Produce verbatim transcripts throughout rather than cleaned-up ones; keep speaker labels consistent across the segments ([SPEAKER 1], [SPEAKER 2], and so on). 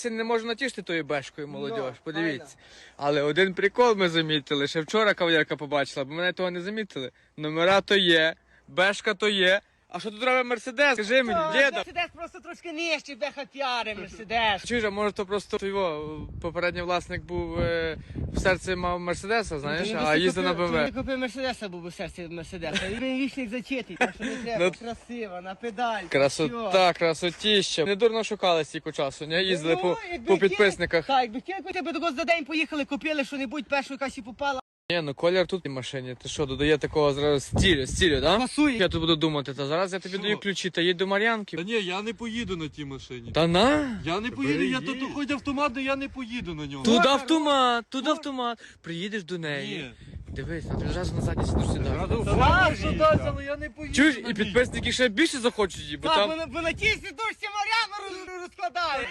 [SPEAKER 1] Це не можна натішити тою бешкою, молодь,
[SPEAKER 2] Ну,
[SPEAKER 1] подивіться.
[SPEAKER 2] файно.
[SPEAKER 1] Але один прикол ми замітили, ще вчора кавалерка побачила, бо мене того не замітили. Номера то є, бешка то є. А що тут робить Мерседес? Скажи мені, діда.
[SPEAKER 2] Мерседес просто трошки нижче, беха піари, Мерседес.
[SPEAKER 1] Чуєш, а може то просто його попередній власник був е, в серці мав Мерседеса, знаєш,
[SPEAKER 2] Ти
[SPEAKER 1] а їздив на
[SPEAKER 2] Ти
[SPEAKER 1] БМВ.
[SPEAKER 2] не купив Мерседеса, був би в серці Мерседеса. Він вічник зачитий, так що не треба,
[SPEAKER 1] Ну,
[SPEAKER 2] красиво, на педаль.
[SPEAKER 1] Красота, красотіща. Не дурно шукали стільки часу, не? Їздили по, по підписниках.
[SPEAKER 2] Так, якби хотіли, тебе до за день поїхали, купили що-небудь, першу якась і попала.
[SPEAKER 1] Ні, ну колір тут в машині. Ти що, додає такого зразу стилю, стилю, да?
[SPEAKER 2] Пасує.
[SPEAKER 1] Я тут буду думати, та зараз я тобі
[SPEAKER 3] Що?
[SPEAKER 1] даю ключі, та їдь до Мар'янки.
[SPEAKER 3] Та ні, я не поїду на тій машині.
[SPEAKER 1] Та на?
[SPEAKER 3] Я не поїду, я тут хоч автомат, але я не поїду на ньому.
[SPEAKER 1] Тут автомат, тут автомат. Приїдеш до неї.
[SPEAKER 3] Ні.
[SPEAKER 1] Дивись, на тобі зразу на задній сидиш сюди.
[SPEAKER 3] Так, що дасть, але я не поїду.
[SPEAKER 1] Чуєш,
[SPEAKER 3] на
[SPEAKER 1] і
[SPEAKER 3] ній.
[SPEAKER 1] підписники ще більше захочуть її, бо
[SPEAKER 2] Так,
[SPEAKER 1] там
[SPEAKER 2] бо, бо на тій сідушці Мар'яна роз- розкладає.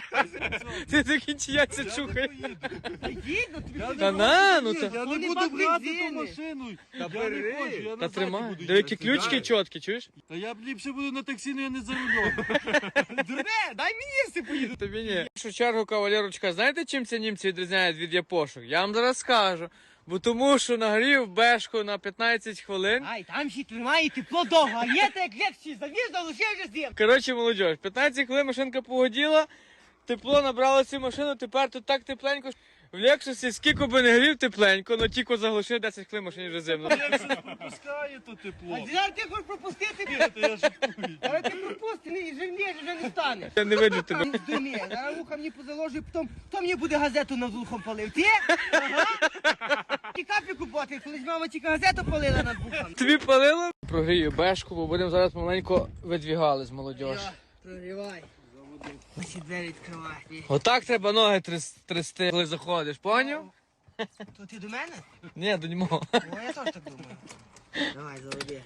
[SPEAKER 1] ти такі чияться
[SPEAKER 3] Я не
[SPEAKER 1] чухає.
[SPEAKER 3] поїду.
[SPEAKER 2] Їдь, ну тобі
[SPEAKER 3] Я
[SPEAKER 2] ходи.
[SPEAKER 1] Та
[SPEAKER 3] не
[SPEAKER 1] на,
[SPEAKER 3] буду,
[SPEAKER 1] ну
[SPEAKER 3] ні,
[SPEAKER 1] та-
[SPEAKER 3] Я
[SPEAKER 2] Ну,
[SPEAKER 3] не
[SPEAKER 2] нема
[SPEAKER 3] буду брати
[SPEAKER 2] бензини.
[SPEAKER 3] ту машину.
[SPEAKER 2] Та
[SPEAKER 3] Я
[SPEAKER 2] бери.
[SPEAKER 3] не хочу, я
[SPEAKER 1] Та
[SPEAKER 3] назад
[SPEAKER 1] тримай.
[SPEAKER 3] буду
[SPEAKER 1] Диви, які
[SPEAKER 3] їхати.
[SPEAKER 1] ключки чіткі, чуєш?
[SPEAKER 3] Та я б ліпше буду на таксі, але я не за рулем.
[SPEAKER 2] Дурне, дай мені все поїду.
[SPEAKER 1] Тобі ні. В першу чергу, кавалерочка, знаєте, чим ці німці відрізняють від япошок? Я вам зараз скажу. Бо тому, що нагрів бешку на п'ятнадцять хвилин.
[SPEAKER 2] Ай, там ще тримає тепло довго, а є так як легче, завіз, залишив вже з'їм.
[SPEAKER 1] Коротше, молодь, п'ятнадцять хвилин машинка погоділа, тепло набрало цю машину, тепер тут так тепленько. В Лексусі скільки би не грів тепленько, але тільки заглушив десять хвилин машині вже зимно.
[SPEAKER 3] Я щось пропускаю то тепло.
[SPEAKER 2] А зараз ти хочеш пропустити?
[SPEAKER 3] Та я жартую.
[SPEAKER 2] Зараз ти пропусти, ні, вже ні, вже не стане.
[SPEAKER 1] Я не видно тебе.
[SPEAKER 2] Не здуміє, зараз вуха мені позаложив, потім, хто мені буде газету над вухом палив? Ти? Ага. Ті каплі купувати, колись мама тільки газету палила над вухом.
[SPEAKER 1] Тобі палило? Прогрію бешку, бо будемо зараз помаленько видвігали з молодь.
[SPEAKER 2] Йо, Прогрівай. Ось і двері відкривай.
[SPEAKER 1] Отак треба ноги тряс- трясти, коли заходиш, поняв?
[SPEAKER 2] То ти до мене?
[SPEAKER 1] Ні, до нього.
[SPEAKER 2] О, я теж так думаю. Давай, заводи.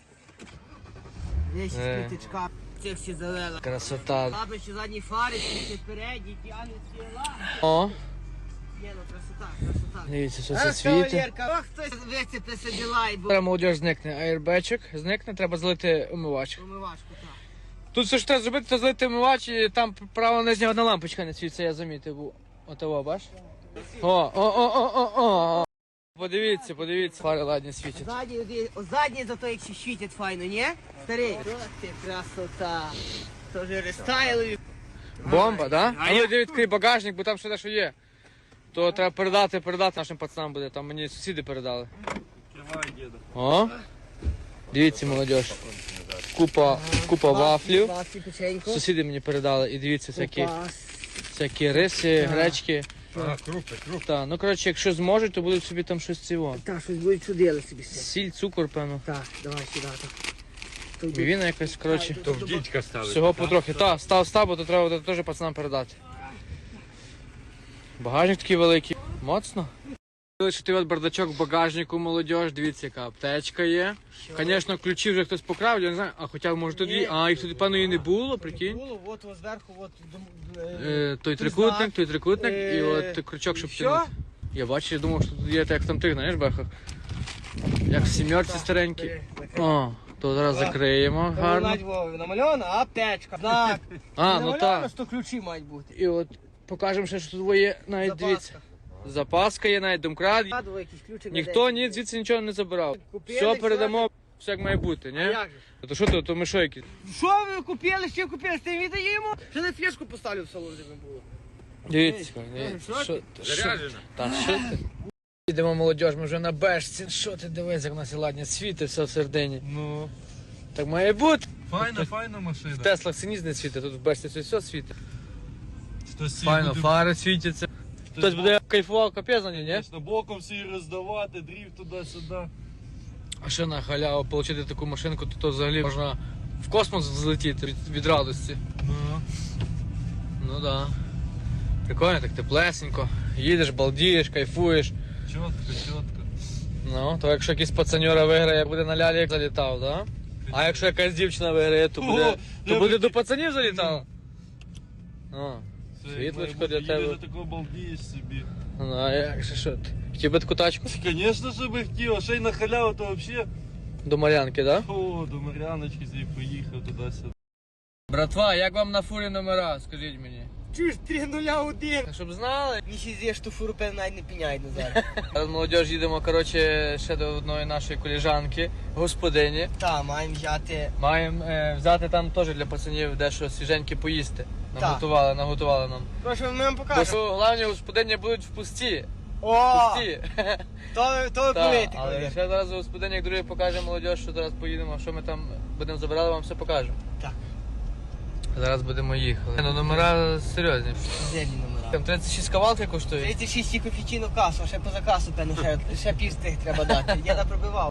[SPEAKER 2] Вещі
[SPEAKER 1] Е.
[SPEAKER 2] спліточка, цих всі завела.
[SPEAKER 1] Красота.
[SPEAKER 2] Лаби ще задні фари, ці передні, ті англійські ла.
[SPEAKER 1] О,
[SPEAKER 2] Є, ну красота, красота.
[SPEAKER 1] дивіться, що це
[SPEAKER 2] Ах,
[SPEAKER 1] світи.
[SPEAKER 2] кавалерка, ох, хтось вицепи собі лай, бо
[SPEAKER 1] Зараз молодь зникне, аєрбечик зникне, треба залити умивач.
[SPEAKER 2] умивашку, так.
[SPEAKER 1] Тут все, що треба зробити, це залити умивач, і там права нижня одна лампочка не світиться, я замітив. був. Отого, бач? О, о, о, о, о, о. Подивіться, подивіться, фари ладні світять.
[SPEAKER 2] Задні, оді- о, задні зато як ще світять файно, ні? Старий. Ох ти, красота. То вже рестайлові.
[SPEAKER 1] Бомба, да?
[SPEAKER 2] А
[SPEAKER 1] А ну
[SPEAKER 2] я-
[SPEAKER 1] йди відкрий багажник, бо там ще дещо є. То треба передати, передати нашим пацанам буде, там мені сусіди передали.
[SPEAKER 3] Тримай, діда.
[SPEAKER 1] О, дивіться, молодь. Купа, купа вафлів.
[SPEAKER 2] Вафлі, печенько.
[SPEAKER 1] Сусіди мені передали, і дивіться, всякі,
[SPEAKER 2] Купас.
[SPEAKER 1] всякі риси, гречки.
[SPEAKER 3] А, крупи, крупи.
[SPEAKER 1] Та, ну коротше, якщо зможуть, то будуть собі там щось цього.
[SPEAKER 2] Так, щось будуть чудили собі все.
[SPEAKER 1] Сіль, цукор, певно.
[SPEAKER 2] Так, давай сюди, так. То йди.
[SPEAKER 1] Мівіна якась, коротше.
[SPEAKER 3] То в дідька ставить.
[SPEAKER 1] Всього потрохи. Та, став, став, бо то треба буде теж пацанам передати. Багажник такий великий. Моцно. Що ти от бардачок в багажнику, молодіж, дивіться, яка аптечка є. Звісно, ключі вже хтось покрав, я не знаю, а хоча може тут дві. А, їх тут, певно, і не було, прикинь.
[SPEAKER 2] Було, от ось зверху, от.
[SPEAKER 1] Е, той трикутник, той трикутник і
[SPEAKER 2] Е,
[SPEAKER 1] от крючок, щоб
[SPEAKER 2] і що?
[SPEAKER 1] тягнути. Я бачу, я думав, що тут є так, як там тих, знаєш, бехах. Як в сімерці старенькі. О, то зараз закриємо гарно.
[SPEAKER 2] Гарно. Намальована аптечка, знак.
[SPEAKER 1] А, ну
[SPEAKER 2] Намальовано,
[SPEAKER 1] так.
[SPEAKER 2] що ключі мають бути.
[SPEAKER 1] І от покажемо ще, що тут є, навіть дивіться.
[SPEAKER 2] Запаска.
[SPEAKER 1] Запаска є, навіть домкрат.
[SPEAKER 2] Згадував якийсь ключик. на
[SPEAKER 1] Ніхто
[SPEAKER 2] день.
[SPEAKER 1] ні звідси нічого не забирав.
[SPEAKER 2] Купили,
[SPEAKER 1] Все
[SPEAKER 2] все.
[SPEAKER 1] передамо, все як має бути,
[SPEAKER 2] А
[SPEAKER 1] ні?
[SPEAKER 2] як же?
[SPEAKER 1] То що то, то ми що які?
[SPEAKER 2] Що ви купили, що купили? Ти віддаємо? Ще на флешку поставлю в салон, де не було.
[SPEAKER 1] Дивіться,
[SPEAKER 2] Ей,
[SPEAKER 1] дивіться,
[SPEAKER 2] що
[SPEAKER 1] що
[SPEAKER 2] ти?
[SPEAKER 1] ти? Заряджена. Та що ти? Йдемо, молодь, ми вже на бешці. Що ти дивись, як у нас і ладні світи, все в середині.
[SPEAKER 3] Ну,
[SPEAKER 1] Так має бути.
[SPEAKER 3] файна, файна машина.
[SPEAKER 1] В Теслах синіс не світить, тут в бешці все, все світить.
[SPEAKER 3] Хтось всі
[SPEAKER 1] Файно,
[SPEAKER 3] буде-
[SPEAKER 1] фари світяться. Хтось буде кайфував капець на ній, ні?
[SPEAKER 3] Звісно, боком всі роздавати, дріфт туди-сюди.
[SPEAKER 1] А ще на халяву отримати таку машинку, то, то взагалі можна в космос злетіти від, від радості.
[SPEAKER 3] Ну.
[SPEAKER 1] Ну да. Прикольно, так теплесенько. Їдеш, балдієш, кайфуєш.
[SPEAKER 3] Чітко, чітко.
[SPEAKER 1] Ну, то якщо якийсь пацаньора виграє, буде на лялі залітав, да? А якщо якась дівчина виграє, то буде,
[SPEAKER 3] О,
[SPEAKER 1] то
[SPEAKER 3] я
[SPEAKER 1] буде
[SPEAKER 3] би-
[SPEAKER 1] до пацанів залітала. О,
[SPEAKER 3] Це
[SPEAKER 1] світлочко
[SPEAKER 3] має
[SPEAKER 1] для
[SPEAKER 3] бути,
[SPEAKER 1] тебе.
[SPEAKER 3] їдеш, такого балдієш собі.
[SPEAKER 1] Ну, а як же що ти? Хотів би таку тачку?
[SPEAKER 3] Звісно, що би хотів, а ще й на халяву, то взагалі.
[SPEAKER 1] До Мар'янки, да?
[SPEAKER 3] О, до Мар'яночки зі поїхав туди-сюди.
[SPEAKER 1] Братва, як вам на фурі номера, скажіть мені?
[SPEAKER 2] Чуєш, три нуля один.
[SPEAKER 1] Так, щоб знали.
[SPEAKER 2] Мені ще з'їш ту фуру, певно, навіть не піняють назад.
[SPEAKER 1] Зараз молодіж їдемо, коротше, ще до одної нашої коліжанки, господині.
[SPEAKER 2] Та, маємо взяти.
[SPEAKER 1] Маємо е, взяти там теж для пацанів дещо свіженьке поїсти. Наготували, наготували нам.
[SPEAKER 2] Прошу, ми вам
[SPEAKER 1] Бо
[SPEAKER 2] покажемо.
[SPEAKER 1] що головні господині будуть в пусті.
[SPEAKER 2] О,
[SPEAKER 1] Пусті.
[SPEAKER 2] то, то ви
[SPEAKER 1] Та,
[SPEAKER 2] повинні.
[SPEAKER 1] але ще зараз господині, як другий покаже молодіж, що зараз поїдемо, що ми там будемо забирати, вам все покажемо.
[SPEAKER 2] Так.
[SPEAKER 1] Зараз будемо їхати. Ну, номера серйозні.
[SPEAKER 2] Зелені номера.
[SPEAKER 1] Там тридцять шість кавалки коштує.
[SPEAKER 2] тридцять шість кофійчину касу, ще поза касу, певно, ще, ще пів з тих треба дати. Я напробивав.